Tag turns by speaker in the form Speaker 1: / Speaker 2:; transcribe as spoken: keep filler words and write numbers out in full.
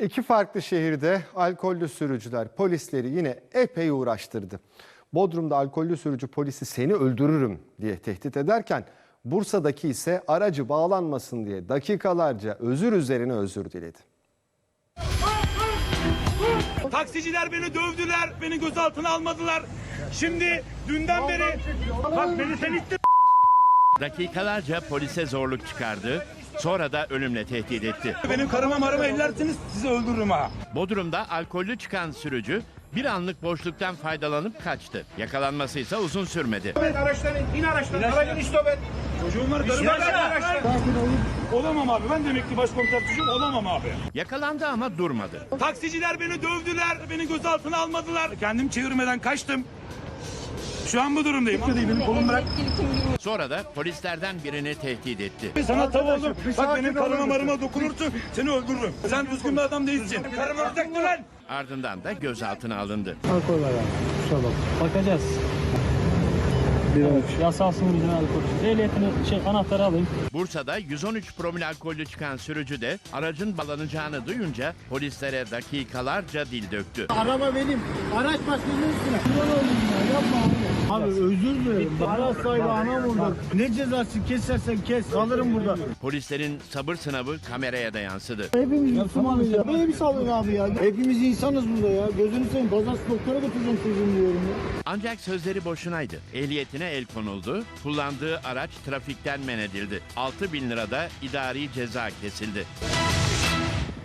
Speaker 1: İki farklı şehirde alkollü sürücüler polisleri yine epey uğraştırdı. Bodrum'da alkollü sürücü polisi "seni öldürürüm" diye tehdit ederken Bursa'daki ise aracı bağlanmasın diye dakikalarca özür üzerine özür diledi.
Speaker 2: Taksiciler beni dövdüler, beni gözaltına almadılar. Şimdi dünden beri bak beni sen ittin.
Speaker 3: Dakikalarca polise zorluk çıkardı, sonra da ölümle tehdit etti.
Speaker 2: Benim karıma marıma ellersiniz, sizi öldürürüm ha.
Speaker 3: Bodrum'da alkollü çıkan sürücü bir anlık boşluktan faydalanıp kaçtı. Yakalanması ise uzun sürmedi.
Speaker 2: Evet, araçtan in, in araçtan. Aracın istop et. Çocuğum var, karım var. Araçtan. Olamam abi, ben demek ki başkomiser çocuğum olamam abi.
Speaker 3: Yakalandı ama durmadı.
Speaker 2: Taksiciler beni dövdüler, beni gözaltına almadılar. Kendim çevirmeden kaçtım. Şu an bu durumdayım. Benim kolum bırak.
Speaker 3: Sonra da polislerden birini tehdit etti.
Speaker 2: Sana tav oldum. Bak benim karıma marıma dokunursun, seni öldürürüm. Sen düzgün bir adam değilsin. Karım ölecek mi lan?
Speaker 3: Ardından da gözaltına alındı.
Speaker 4: Alkol var yani. Kusura bak. Bakacağız. Evet, yasalsın bizim alkol. Ehliyetini şey anahtarı alayım.
Speaker 3: Bursa'da yüz on üç promil alkollü çıkan sürücü de aracın bağlanacağını duyunca polislere dakikalarca dil döktü.
Speaker 5: Araba benim. Araç başkanının üstüne. Kurban oldum ya. Yapma abi. Abi özür dilerim. Araç sahibi anam orada. Ne cezası kesersen kes. Kalırım burada.
Speaker 3: Polislerin sabır sınavı kameraya da yansıdı.
Speaker 5: Hepimiz Müslümanız ya. Böyle bir salın abi ya. Hepimiz insanız burada ya. Gözünü seveyim. Pazartesi doktora götüreceğim çocuğumu diyorum ya.
Speaker 3: Ancak sözleri boşunaydı. Ehliyetine el konuldu, kullandığı araç trafikten men edildi. altı bin lirada idari ceza kesildi.